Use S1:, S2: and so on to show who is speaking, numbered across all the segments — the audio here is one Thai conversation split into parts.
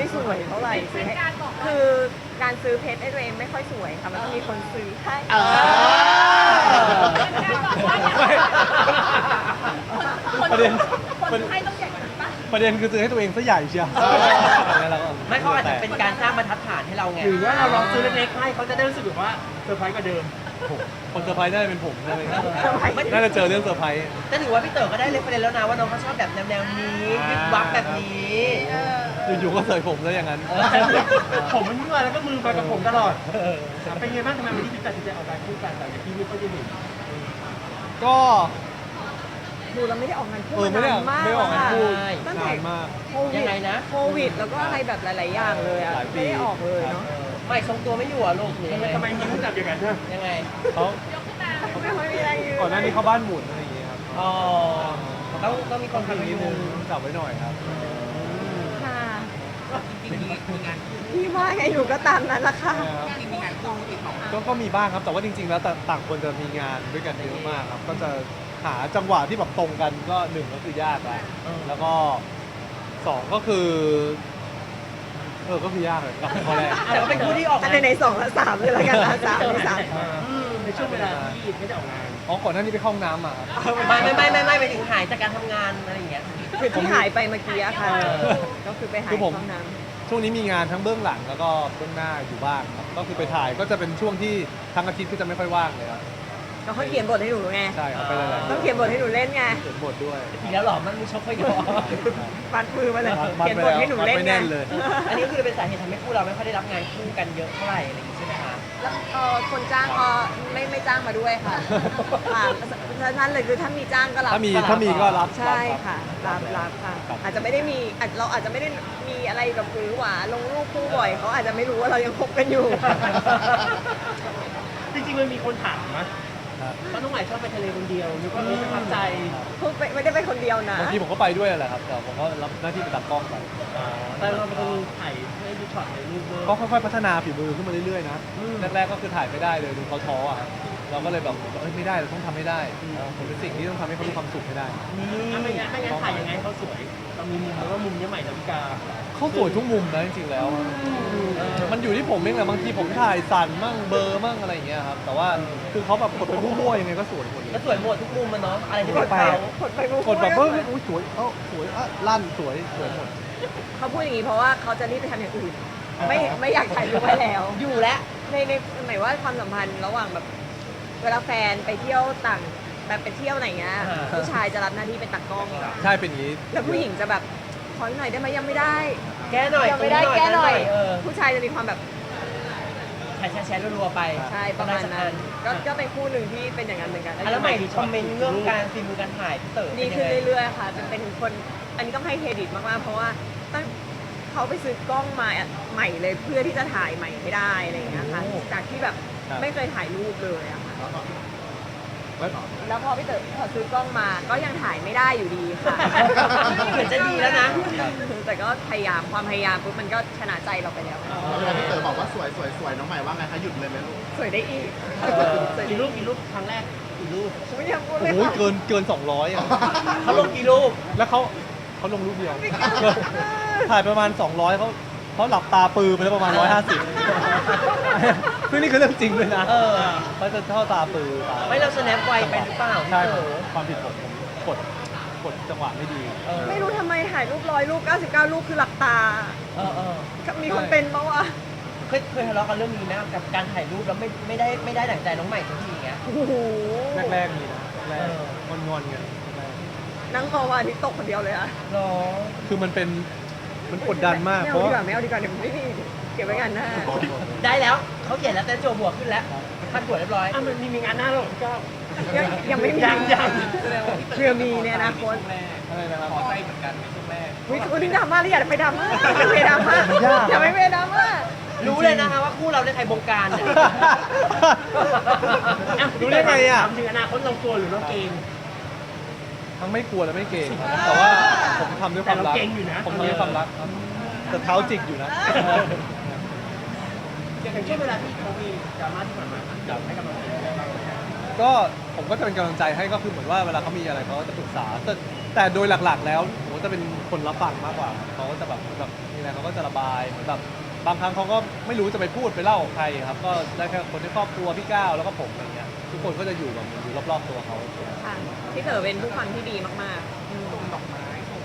S1: ไม่สวยเท่าไหร่ซื้อให้คือการซื้อเพชรให้ตัวเองไม่ค่อยสวยค่ะมันต้องมีคนซื้อให้
S2: ประเด็น
S3: คนให้ต้องใหญ่กว่านั้นปะ
S2: ประเด็นคือซื้อให้ตัวเองซะใหญ่เชียว
S4: ไม่เขาอาจจะเป็นการสร้างบรรทัดฐานให้เราไง
S5: หรือว่าเราลองซื้อเล็กๆให้เขาจะได้รู้สึกแบบว่าเซอร์ไพรส์กว่าเดิม
S2: คนเซอร์ไพรส์น่าจะเป็นผมใช่ไหมครับ
S1: เซอร์ไพรส์
S2: น่าจะเจอเรื่องเซอร์ไพรส์
S4: แต่ถือว่าพี่เต๋อก็ได้เรฟเฟรนซ์แล้วนะว่าน้องเขาชอบแบบแนวนี้วิบวับแบบนี้
S2: อยู่ๆก็เสยผมซะอย่างนั้น
S5: ผมมันมั่วแล้วก็มือมากับผมตลอดเป็นไงบ้างทำไมวันนี้ถึงตัดสินใจออกการคู่กันแต่อย่างที่ไม่ค่อยได้เห็น
S2: ก็
S1: ดูเราไม่ได้ออกงานคู่
S2: ไม่ได้
S1: นานมาก
S2: ไม่ได้ออกงานคู่
S1: ตั้งแต่
S2: นานมาก
S1: โควิ
S4: ยั
S1: ด
S4: งไงนะ
S1: โควิดแล้วก็อะไรแบบหลาย ๆ อย่างเลยอะ
S2: หลายปี
S1: ไม่ได้ออกเลยเนาะ
S4: ไม่ทรงตัวไม่อยู่อ่ะลูกหรือยังไง
S5: ทำไมมีผู้จับอย่างนั้นนะ
S4: ยังไง
S2: เขา
S1: ไม่ค่อยมีแรงยืน
S2: ก่อนหน้านี้เขาบ้านหมุนอะไรอย่างเงี้ยครับ
S4: อ๋อต้องมีคนทำ
S2: นิ
S4: นิ
S2: ด
S4: ด
S2: นึ
S4: นึ
S2: ง
S4: ง
S2: จับไว้หน่อยครับ
S1: ค่ะพี่ว่าไงหนูก็ตามนั้นละค่ะ
S2: ก็มีบ้างครับ แต่ว่าจริง ๆ แล้วต่างคนจะมีงานด้วยกันเยอะมากครับ ก็จะหาจังหวะที่แบบตรงกันก็หนึ่งก็คือยากแล้วแล้วก็สองก็คือก็คือยากเลยกับข้อแรก
S4: แต่ว่าเป็นคู่ที่ออก
S1: อัน
S4: งาน
S1: ในสองและสามเลยละกันนะสามที่สาม
S5: ในช่วงเวลาที่ไม่ได้ออกงาน
S2: อ๋อก่อนหน้านี้ไปเข้าห้องน้ำมาครับ
S4: ไม่ไปถึงหายจากการทำงานอะไรอย่างเงี้ย
S1: คือที่หายไปเมื่อกี้อะค่ะ
S4: เออ
S1: ก็คือไปหาย
S2: คือผม
S1: ห้องน้
S2: ช่วงนี้มีงานทั้งเบื้องหลังแล้วก็เบื้องหน้าอยู่บ้างครับ ก็คือไปถ่ายก็จะเป็นช่วงที่ทั้งอาทิตย์ก็จะไม่ค่อยว่างเลยครับ
S1: ำแล้วเขาเขียนบทให้หนูไง
S2: ใช่ครับไปหลายๆ
S1: ต้องเขียนบทให้หนูเล่นไง
S2: เขียนบทด้วย
S4: อีกแล้วเหรอมันมีชกไม่ยอม
S1: มัดมือมาเลย
S2: มัด
S1: เขียน
S2: ไป
S1: บท
S2: แล้ว
S1: ให้หนูเล่น
S2: มัดไป
S1: ไง
S2: แน่นเลย
S4: อันนี้คือเป็นสาเหตุทำให้คู่เราไม่ค่อยได้รับงานคู่กันเยอะเท่าไหร่อะไรอย่างงี้ใช่ไหมคะ
S1: แล้วคนจ้างก็ไม่จ้างมาด้วยค่ะค่ะนั่นเลยคือถ้ามีจ้างก็รับ
S2: ถ้ามีก็รับ
S1: ใช่
S2: รับ
S1: ค่ะรับค่ะ
S2: ครับ
S1: อาจจะไม่ได้มีเราอาจจะไม่ได้มีอะไรแบบหรือหวาลงรูปคู่บ่อยเขาอาจจะไม่รู้ว่าเรายังคบกันอยู่
S5: จริงๆมันมีคนถามนะว่าน้องใหม่ชอบไปทะเลคนเดียวนึกว่าประทับใจ
S1: พูดไม่ได้ไปคนเดียวนะ
S2: บางทีผมก็ไปด้วยแหละครับ แต่ผมก็รับหน้าที่เป็นตากล้องไป
S5: แต่เราเป็นคนถ่ายให้ดูช็อตในรูปด้วย
S2: ก็ค่อยๆพัฒนาฝีมือขึ้นมาเรื่อยๆนะ แรกๆก็คือถ่ายไม่ได้เลยดูเขาท้ออ่ะ เราก็เลยแบบไม่ได้เราต้องทำให้ได้ผมเป็นสิ่งที่ต้องทำให้เขามีความสุขให้ได้
S5: ไม่งั้นถ่ายยังไงให้เขาสวยเรามีมุมหรือว่ามุมนี้ใหม่ดาวิกา
S2: เขาสวยทุกมุมนะจริงๆแล้ว มันอยู่ที่ผมเองแหละบางทีผมถ่ายสั่นมั่งเบลอร์มั่งอะไรอย่างเงี้ยครับ แต่ว่าคือเขาแบบกดไปมั่วๆยังไงก็สวยหมดเล
S4: แล้ว
S2: ย
S4: สวยหมดทุกมุมมันเนาะอะไรที่
S1: ก
S4: เป็
S1: ด
S4: น
S1: ไป
S4: เขา
S1: กดไป
S2: กดแบบอุ้ยสวยสวยลั่นสวยหมด
S1: เขาพูดอย่างนี้เพราะว่าเขาจะรีบไปทำอย่างอื่น ไม่อยากถ่ายรูปไว้แล้ว
S4: อยู่แล้ว
S1: ในหมายว่าความสัมพันธ์ระหว่างแบบเวลาแฟนไปเที่ยวต่างแบบไปเที่ยวไหนเงี้ยผู้ชายจะรับหน้าที่เป็นตากล้อง
S2: ใช่เป็นอย่างนี้
S1: แล้วผู้หญิงจะแบบขออีกหน่อยได้ไหมยังไม่ได้
S4: แก้หน่อย
S1: ยังไม่ได้แก้หน่อย
S4: เออ
S1: ผู้ชายจะมีความแบบ
S4: แชร์รัวๆไป
S1: ใช่ประมาณนั้นก็เป็นคู่หนึ่งที่เป็นอย่างนั้นเหมือนกัน
S4: แล้วใหม่คอมเมนต์เรื่องการฝีมือการถ่ายพี่เต๋อ
S1: ดีขึ้นเรื่อยๆค่ะเป็นคนอันนี้ต้องให้เครดิตมากๆเพราะว่าตั้งเขาไปซื้อกล้องมาใหม่เลยเพื่อที่จะถ่ายใหม่ให้ได้อะไรอย่างเงี้ยค่ะจากที่แบบไม่เคยถ่ายรูปเลยอะค่ะแล้วพอพี่เต๋อพอซื้อกล้องมาก็ยังถ่ายไม่ได้อยู่ดีค่ะ
S4: เหมือนจะดีแล้วนะ
S1: แต่ก็พยายามความพยายามปุ๊บมันก็ชนะใจเราไปแล้ว
S6: เวลาพี่เต๋อบอกว่าสวยสวยสวยน้องใหม่ว่าไงคะหยุดเลยไหมลูก
S1: สวยได้อีกสวย
S5: กี่รูปครั้งแรกกี่รูป
S1: ไม่อยากพูดเล
S2: โอ้
S1: ย
S2: โหเกิน200อ่ะ
S4: เขาลงกี่รูป
S2: แล้วเขาลงรูปเดียว ถ่ายประมาณ 200เขาหลับตาปือไปแล้วประมาณ 150ซึ่งนี่คือเรื่องจริงเลยนะ
S4: เออ
S2: เขาจะเข้าตาปือตา
S4: ไม่เราสแนปไวไปหรือเปล่าพี่
S2: ใช่
S4: เต๋อ
S2: ความผิดผมกดจังหวะไม่ดี
S4: เออ
S1: ไม่รู้ทำไมถ่ายรูป100รูป99รูปคือหลับตา
S4: เออ
S1: มีคนเป็นปะวะ
S4: เคยทะเลาะกันเรื่องนี้นะกับการถ่ายรูปแล้วไม่ได้ดั่งใจน้องใหม่สักทีอย่างเงี้ย
S1: โอ้โห
S2: แรกๆมีนะแรก
S4: เออ
S2: งอนๆกันแรก
S1: นั่งมองวันอาทิตย์ตกคนเดียวเลยอะ
S4: หรอ
S2: คือมันกดดันมาก
S1: ไม่
S2: เพ
S1: เอา
S2: ราะ
S1: ดีกว่าไม่เอาดีกว่าเดี๋ยวไม่มีเก็บไว้กันหน้า
S4: ได้แล้วเขาเขียนแล้วแต่โจบวกขึ้นแล้วพันบวกเรียบร้อย
S5: มันมีงานหน้าหรอพี่ก้าว
S1: ยังไม่มี
S5: ยัง
S1: เพื่อมีในอนาคต
S2: อะไรนะครับ
S1: วิคุณนี่ดราม่าหรืออย่าไปดราม่าอย่าไปดราม่าอย่าไปดราม่า
S4: รู้เลยนะคะว่าคู่เราได้ใครบงการเนี่ย
S2: รู้ได้ไงอ่ะ
S5: ถามถึงอนาคตเรากลัวหรือเราเกรง
S2: ทั้งไม่กลัวและไม่เก่งครับแต่ว่าผมทำด้วยความรัก
S5: แต่เราเก่งอยู่นะ
S2: ผมทำด้วยความรักครับแต่เท้าจิกอยู่นะ
S5: อย่างเช่นเวลาที่เขามีดราม่าที่ผ่านมาอยากให้กำลังใจอะไรบ้าง
S2: ก็ผมก็จะเป็นกำลังใจให้ก็คือเหมือนว่าเวลาเขามีอะไรเขาก็จะปรึกษาแต่แต่โดยหลักๆ แล้วผมจะเป็นคนรับฟังมากกว่าเขาก็จะแบบมีอะไรเขาก็จะระบายเหมือนแบบบางครั้งเขาก็ไม่รู้จะไปพูดไปเล่ากับใครครับก็ได้แค่คนในครอบครัวพี่ก้าวแล้วก็ผมอะไรเงี้ยทุกคนก็จะอยู่แบบอยู่รอบๆตัวเขา
S1: ค่ะพี่เต๋อเป็นผู้ฟังที่ดีมากๆดอกไม้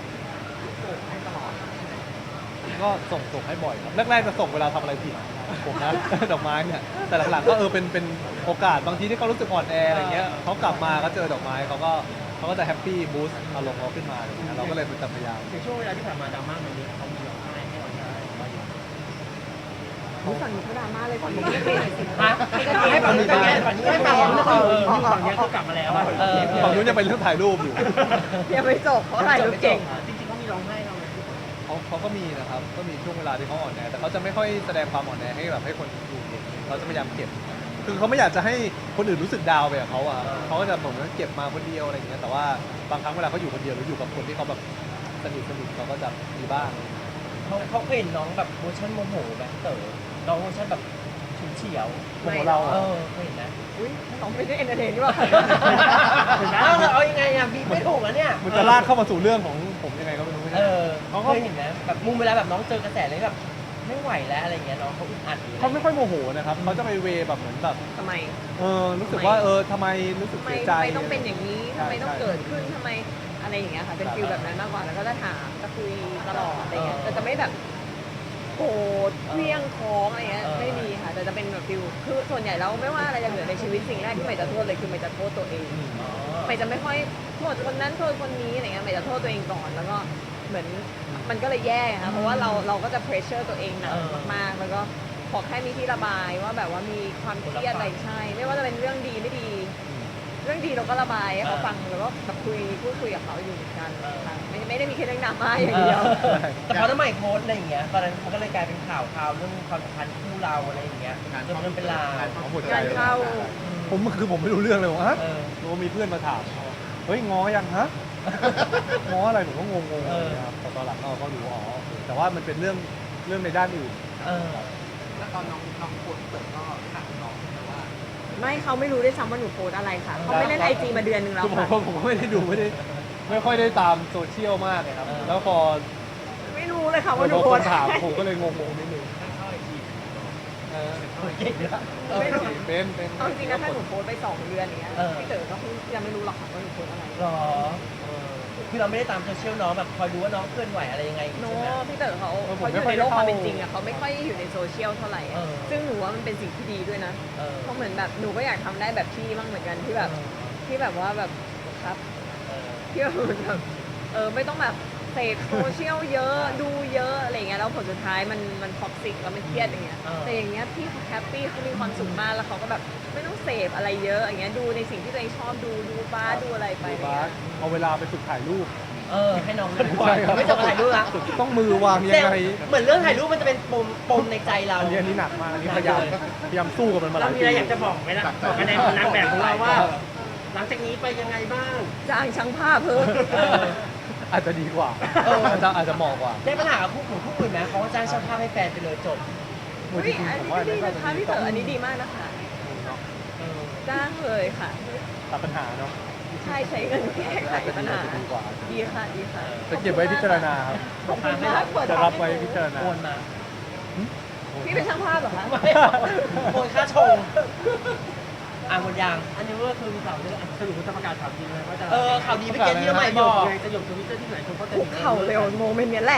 S2: ก็ส่งให้บ่อยครับแรกๆจะส่งเวลาทำอะไรผิดผมนะ ดอกไม้เนี่ยแต่หลังๆก็เป็นโอกาสบางทีที่เขารู้สึกอ่อนแออะไรเงี้ยเขากลับมาก็เจอดอกไม้เขาก็จะแฮปปี้บูสต์อารมณ์เขาขึ้นมาอะไรเงี้ยเราก็เลยเป็นพยายาม
S5: ในช่วงเวลาที่ผ่านมาดราม่ามันเยอะเขามีร้องไห้ให้เราได้ว่าอย่าง
S1: รู้ฝั่งนี้เขาดราม่าเลยฝั่งนี้ไม่เป็นไรสิ
S4: ฮะให้ฝั่งนี้ไปไงฝั่งนี้
S5: ไม่
S4: ไม่
S5: ฝั่
S4: ฝั่
S5: ง
S4: ง
S5: นี้
S4: นี้
S5: ก็
S4: ก็
S5: คือ
S4: ฝั่ง
S5: ฝั่งนี้ก็กลับมาแล้วอะ
S2: ฝั่งนู้นยังเป็นเรื่องถ่ายรูปอยู่
S1: ยังไม่จบเขาถ่ายรูปเก่ง
S5: จริงๆเขามีร้องไห้เราไหม
S2: เขาก็มีนะครับก็มีช่วงเวลาที่เขาอ่อนแอแต่เขาจะไม่ค่อยแสดงความอ่อนแอให้แบบให้คนดูเห็นเขาจะพยายามเก็บ คือเขาไม่อยากจะให้คนอื่นรู้สึกดาวน์ไปกับเขาอะเขาก็จะผมว่าเก็บมาคนเดียวอะไรอย่างเงี้ยแต่ว่าบางครั้งเวลาเขาอยู่คนเดียวหรืออยู่กับคนที่เขาแบบสนิทเขาก็จะมีบ้าง
S4: เขาเคยเห็นน้องแบบเวอร์ชันโมโหแบบเต๋อน้องเวอร์ชันแบบฉุนเฉียว
S2: โมโหเรา
S4: เอ
S2: อะ
S4: อเคยเห็นนะ
S1: อุ้ยน้องไม่ได้เอนเตอร์เทนนี่หว่า
S4: เอายังไงอ่ะบีบไม่ถูกอ่ะเนี่ย
S2: มันจะลากเข้ามาสู่เรื่องของผมยังไงก็ไม่รู้
S4: เออ
S2: เขาก็
S4: เคยเห็นนะแบบมุมเวลาแบบน้องเจอกระแสเลยแบบไม่ไหวแล้วอะไรเงี้ยน้องเขาอึดอัดอยู่
S2: เขาไม่ค่อยโมโหนะครับเขาจะไปเวแบบเหมือนแบบ
S1: ทำไม
S2: รู้สึกว่าทำไมรู้สึก
S1: ทำไม
S2: เสียใจ
S1: ต้องเป็นอย่างนี้
S2: ใช่
S1: ทำไมต้อง
S2: ใช่
S1: เกิดขึ้นทำไมอะไรอย่างเงี้ยค่ะ เป็นฟิลแบบนั้นมากกว่า แล้วก็จะถามจะคุยตลอดอะไรเงี้ยแต่จะไม่แบบโกรธเคลี้ยงท้องอะไรเงี้ย ไม่มีค่ะ แต่จะเป็นแบบฟิลคือส่วนใหญ่แล้วไม่ว่าอะไรจะเกิดในชีวิตสิ่งแรกที่ใหม่จะโทษเลยคือใหม่จะโทษตัวเอง
S4: อ๋อ
S1: ใหม่จะไม่ค่อยโทษคนนั้นโทษคนนี้อะไรเงี้ยใหม่จะโทษตัวเองก่อน แล้วก็เหมือนมันก็เลยแย่ค่ะ เพราะว่าเราก็จะเพรสเชอร์ตัวเองหนักมากๆ แล้วก็ขอแค่มีที่ระบายว่าแบบว่ามีความเครียดอะไรใช่ ไม่ว่าจะเป็นเรื่องดีไม่ดี เรื่องดีเราก็ระบายให้เขาฟังแล้วก็แบบพูดคุยกับเขาอยู่เหมือนกันค่ะไม่ได้มีแค่เรื่องดราม่าอย่างเดียว
S4: แต่พอน้ำใหม่โพสต์อะไรอย่างเงี้ยตอนนั้นมันก็เลยกลายเป็นข่าวเรื่องความสัมพันธ์คู่เราอะไรอย่างเงี้ยจนมันเป็นลาว
S2: เขาหมดใจ
S1: งานเข้า
S2: ผมไม่รู้เรื่องเลยว่า
S4: เออ
S2: รู้ว่ามีเพื่อนมาถามเฮ้ยง้อยังฮะ ง้ออะไรผมก็งงๆ
S4: เออ
S2: นะครับแต่ตอนหลังเราก็รู้อ๋อโอเคแต่ว่ามันเป็นเรื่องในด้านอื่น
S4: เออ
S6: แล้วตอนน้องโพสต์เปิดก็ถามน้องนะว่า
S1: ไม่เขาไม่รู้ด้วยซ้ำว่าหนูโพสอะไรค่ะเขาไม่เล่นไอจีมาเดือนนึงแล้ว
S2: คือผม
S1: ค่ะ
S2: ผมก็ไม่ได้ดูไม่ค่อยได้ตามโซเชียลมากเลยครับ
S4: เออ
S2: แล้วพอ
S1: ไม่รู้เลยค่ะ
S2: พ
S1: ว่าหนู
S2: อ
S1: โพ
S2: ค
S1: ส
S2: น
S1: อะไร
S2: ถามผมก็เลยงงๆนิดนึงเออ
S4: เก่งนะ
S1: ไม่รู้
S2: เป็น
S1: เอาจริงนะถ้าหนูโพสไป2 เดือนอย่างเงี้ย
S4: เออ
S1: พี่เต๋อก็คงยังไม่รู้หรอกค่ะว่าหนูโพสอะไร
S4: หรอคือเราไม่ได้ตามโซเชียลน้องแบบคอยดูว่าน้องเคลื่อนไหวอะไรยังไง
S1: โน้
S4: ใช่ไหม
S1: พี่เต๋อเขาอยู่ในโลกความเป็นจริงอะเขาไม่ค่อยอยู่ในโซเชียลเท่าไหร่อะ
S4: เออ
S1: ซึ่งหนูว่ามันเป็นสิ่งที่ดีด้วยนะ
S4: เออ
S1: เพราะเหมือนแบบหนูก็อยากทำได้แบบพี่บ้างเหมือนกันที่แบบว่าแบบครับ
S4: เออ
S1: ที่แบบเหมือนแบบไม่ต้องแบบเสพโซเชียลเยอะดูเยอะอะไรเงี้ยแล้วผลสุดท้ายมันท็อกซิกแล้วมันเครียดอย่างเงี้ยแต่อย่างเงี้ยพี่เขาแฮปปี้เขามีความสุขมากแล้วเขาก็แบบไม่ต้องเสพอะไรเยอะอย่างเงี้ยดูในสิ่งที่ตัวเองชอบดูบ้าสดูอะไรไป
S2: ดูบาสเอาเวลาไปฝึกถ่ายรูป
S4: ให้น้องเคลื่อนไหว
S2: ใช่ครับ
S4: ไม่ต้องถ่ายรูปละ
S2: ฝึกต้องมือวางยัง
S4: แต่
S2: ไง
S4: เหมือนเรื่องถ่ายรูปมันจะเป็นปมในใจเรา
S2: อันนี้หนักมากอันนี้พยายามสู้กับมันมาห
S5: เรา
S2: ลาย
S5: มี
S2: ปี
S5: อะไรอยากจะบอกไหมล่ะบอกกันในนางแบบของเราว่า หลังจากนี้ไปยังไงบ้าง
S1: จ้างช่างภาพเพิ่ม
S2: อาจจะดีกว่า อาจจะเหมาะกว่า
S4: ได้ปัญหากับคู่อื่นไหมเขาก็จ้างช่างภาพให้แฟนไปเลยจบ
S1: อุ๊ยอันนี้ก็ดีนะคะพี่เต๋ออันนี้ดีมากนะคะ จ้างเลยค่ะ
S2: ตัดปัญหาเนาะ
S1: ใช่ใช้เงินแก้ไขปัญหา
S2: ดีกว่า
S1: ดีค่ะดีค่ะ
S2: จะเก็บไว้พิจารณาครับ
S1: ขอบคุณมากเปิด
S2: จะรับไว้พิจารณา
S4: โอนมา
S1: พี่เป็นช่างภาพเหรอคะ
S4: ไม่โอนค่าชงหมดยาง
S5: อันนี้ก็คือมีข่าวที่สรุปว่าจะประกาศข่าวดีเลยว่าจะ
S4: ข่าวดีพี่เกณฑ์ที่น้องใหม่บอก
S5: ไงจะหยกทวิตเตอร์ที่ไหนคนเขาจะ
S1: คุกเข่าเร็วโมเมนต์เนี้ยแหละ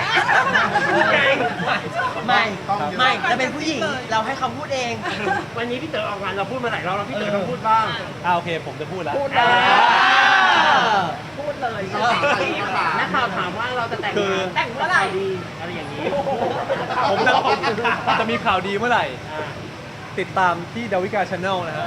S4: ไม่เราเป็นผู้หญิงเราให้เขาพูดเอง
S5: วันนี้พี่เต๋อออกงานเราพูดมาหลายรอบแล้วพี่เต๋อต้องพูดบ้าง
S2: โอเค ผมจะพูดแล้ว
S1: พูดเลยพูดเลย
S5: นักข่าวถามว่าเราจะแต่ง
S2: คือ
S5: งานแต่งเมื่อไหร่ดีอะไรอย่างนี้
S2: ผมจะมีข่าวดีเมื่อไหร่ ติดตามที่ดาวิกาชาแนลนะฮะ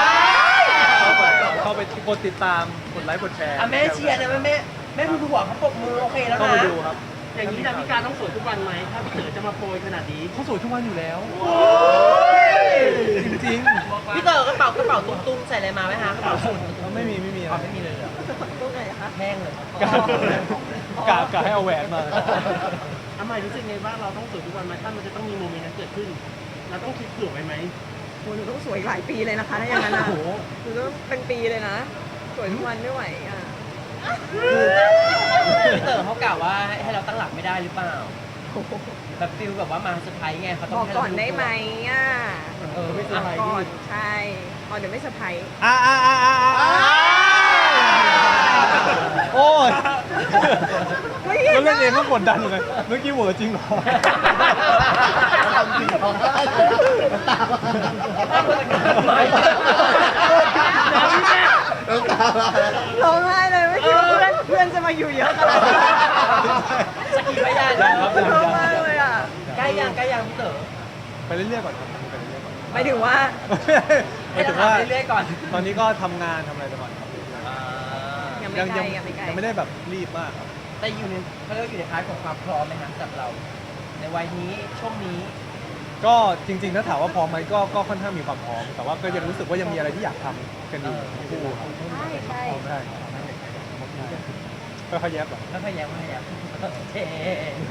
S2: เข้าไปกดติดตามกดไลค์กดแชร์
S4: แม่เชียร์นะแม่คุณหัวเขาปรบมือโอเคแล้ว
S2: เข้า
S4: นะ
S2: ไปดูครับ
S5: อย่างนี้ดาวิกาต้องสวยทุกวันไหมถ้าพี่เต๋อจะมาโปรยขนาดนี้
S2: เขาสวยทุกวันอยู่แล้ว จริง
S4: พี่เต๋อกระเป๋ตุ้งๆใส่อะไรมาไหมคะกระเป๋าสุด
S2: ๆไม่มี
S4: ไม่มีเลยเหรอ
S1: ตรงไหนคะ
S4: แห้งเลย
S2: กะให้เอาแหวนมา
S5: ทำไมรู้สึกไงบ้างเราต้องสวยทุกวันไหมถ้ามันจะต้องมีโมเมนต์นั้นเกิดขึ้น เราต้องคิดเผื่อไว้ไหม
S1: โหหนูต้องสวยอีกหลายปีเลยนะคะถ้าอย่างนั้นอ่ะ
S2: โอ้โห
S1: หนูต้องเป็นปีเลยนะ สวยทุกวันไม่ไหวอ่ะ
S4: พี่เต๋อเขากล่าวว่าให้เราตั้งหลักไม่ได้หรือเปล่าแบบฟิลแบบว่ามาเซอร์ไพรส์ไงเขาต้
S1: บ
S4: อง
S1: อก
S4: ให้
S1: ก่
S4: เรา
S1: อน
S4: รู้
S1: ได้ไหม
S4: ตัว
S1: อ่ะ
S5: ไม่เซอร์ไพรส์
S1: ก่อน
S5: ดิ
S1: ใช่อ๋อเดี๋ยวไม่เซอร์ไพรส์
S2: โอ้ย
S1: ไม่เห็
S2: ก็
S1: น
S2: เล่นเองก็
S1: นะ
S2: กดดันอยู่เลยเมื่อกี้เหวอจริงเหรอ
S6: ทำจริงเขาได้น้ำตามาน้ำตามา
S1: ร้องไห้เลยไม่คิดว่าเพื่อนจะมาอยู่เยอะขนาดนี้
S4: สกีพยานนะครับ
S1: ชอบมากเลยอ่ะ
S4: ใกล้ยังพี่เต๋อ
S2: ไปเรื่อยๆก่อนครับไปเรื่อยๆก่อน
S1: หมายถึงว่า
S2: หมายถึงว่า
S4: ให้เราทำเรื่อยๆก่อน
S2: ตอนนี้ก็ทำงานทำอะไรไปก่อนครับ
S1: ยังไม่ใกล้ยังไม่ใกล้
S2: ยังไม่ได้แบบรีบมากครับ
S4: แต่อยู่ในเขาเรียกว่าอยู่ในพาร์ทของความพร้อมไหมฮะสำหรับเรา ในวัยนี้ช่วงนี้
S2: ก็จริงๆถ้าถามว่าพร้อมไหมก็ค่อนข้างมีความพร้อม แต่ว่าก็ยังรู้สึกว่ายังมีอะไรที่อยากทำกันอยู่ทั้งคู่ครับ
S1: ใช่ใช่
S2: พร้อมได้ค่อยๆแยบหรอ
S4: ก็พยายามโอเค